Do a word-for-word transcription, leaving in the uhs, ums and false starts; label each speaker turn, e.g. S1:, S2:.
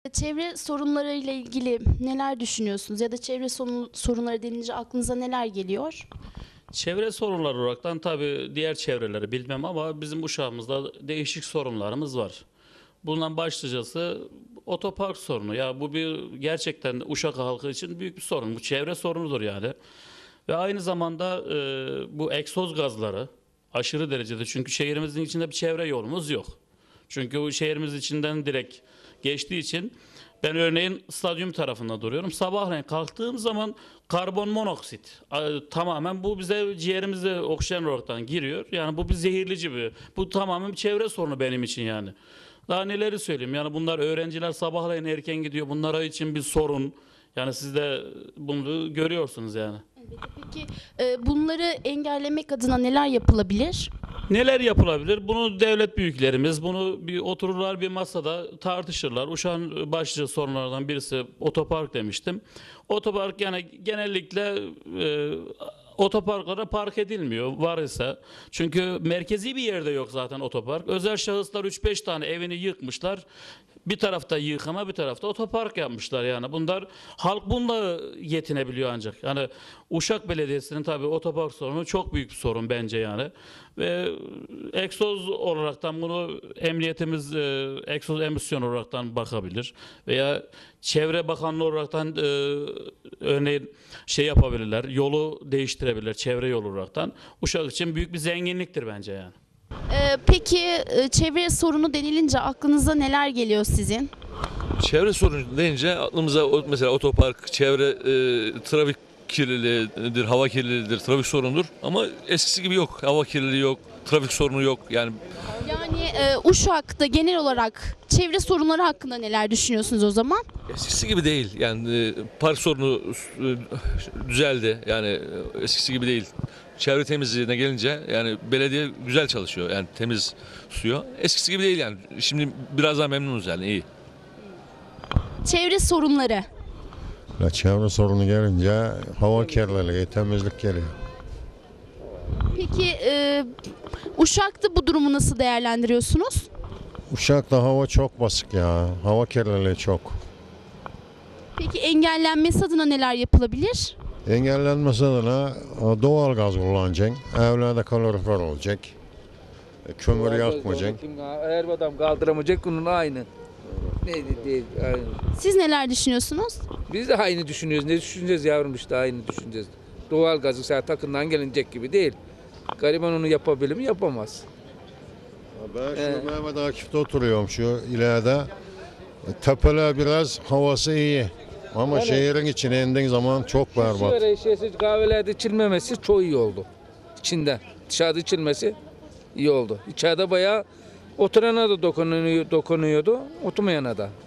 S1: Çevre sorunlarıyla ilgili neler düşünüyorsunuz ya da çevre sorun- sorunları denince aklınıza neler geliyor?
S2: Çevre sorunları olaraktan tabii diğer çevreleri bilmem ama bizim Uşağımızda değişik sorunlarımız var. Bundan başlıcası otopark sorunu. Ya bu bir gerçekten Uşak halkı için büyük bir sorun. Bu çevre sorunudur yani. Ve aynı zamanda e, bu egzoz gazları aşırı derecede, çünkü şehrimizin içinde bir çevre yolumuz yok. Çünkü o şehrimiz içinden direkt geçtiği için ben örneğin stadyum tarafında duruyorum. Sabahleyin kalktığım zaman karbon monoksit a- tamamen bu bize ciğerimize oksijen olaraktan giriyor. Yani bu bir zehirlici bir. Bu tamamen bir çevre sorunu benim için yani. Daha neleri söyleyeyim? Yani bunlar öğrenciler sabahleyin erken gidiyor. Bunlara için bir sorun. Yani siz de bunu görüyorsunuz yani.
S1: Peki e, bunları engellemek adına neler yapılabilir?
S2: Neler yapılabilir? Bunu devlet büyüklerimiz, bunu bir otururlar bir masada tartışırlar. Uşak'ın başlıca sorunlardan birisi otopark demiştim. Otopark yani genellikle e, otoparklara park edilmiyor var ise. Çünkü merkezi bir yerde yok zaten otopark. Özel şahıslar üç beş tane evini yıkmışlar. Bir tarafta yıkama, bir tarafta otopark yapmışlar yani. Bunlar halk bununla yetinebiliyor ancak. Yani Uşak Belediyesi'nin tabii otopark sorunu çok büyük bir sorun bence yani. Ve egzoz olaraktan bunu emniyetimiz e, egzoz emisyon olaraktan bakabilir veya Çevre Bakanlığı olaraktan e, örneğin şey yapabilirler. Yolu değiştirebilirler çevre yolu olaraktan. Uşak için büyük bir zenginliktir bence yani.
S1: E, peki e, çevre sorunu denilince aklınıza neler geliyor sizin?
S3: Çevre sorunu deyince aklımıza o- mesela otopark, çevre, e, trafik kirliliğidir, hava kirliliğidir, trafik sorunudur. Ama eskisi gibi yok. Hava kirliliği yok, trafik sorunu yok. Yani
S1: Yani e, Uşak'ta genel olarak çevre sorunları hakkında neler düşünüyorsunuz o zaman?
S3: eskisi gibi değil. Yani e, park sorunu e, düzeldi. Yani e, eskisi gibi değil. Çevre temizliğine gelince yani belediye güzel çalışıyor. Yani temiz suyu. Eskisi gibi değil yani. Şimdi biraz daha memnunuz yani iyi.
S1: Çevre sorunları.
S4: La çevre sorunu gelince hava kirliliği, temizlik geliyor.
S1: Peki e, Uşak'ta bu durumu nasıl değerlendiriyorsunuz?
S4: Uşak'ta hava çok basık ya. Hava kirliliği çok.
S1: Peki engellenmesi adına neler yapılabilir?
S4: Engellenmesi adına doğal gaz kullanacaksın. Evlerde kalorifer olacak. E, Kömür yakmayacaksın.
S5: Eğer adam kaldıramayacak bunun aynı. Neydi değil aynı.
S1: Siz neler düşünüyorsunuz?
S5: Biz de aynı düşünüyoruz. Ne düşüneceğiz yavrum işte aynı düşüneceğiz. Doğal gazı sen takından gelinecek gibi değil. Gariban onu yapabilir mi? Yapamaz.
S4: Ben şu
S5: Ee.
S4: Mehmet Akif'te oturuyorum şu ileride. E, Tepeler biraz havası iyi. Ama
S5: Yani-
S4: şehrin içine indiğin zaman çok berbat.
S5: Sigara içesi kahvelerde içilmemesi çok iyi oldu. İçinde. Dışarıda içilmesi iyi oldu. İçeride bayağı oturana da dokunuyor, dokunuyordu, oturmayana da.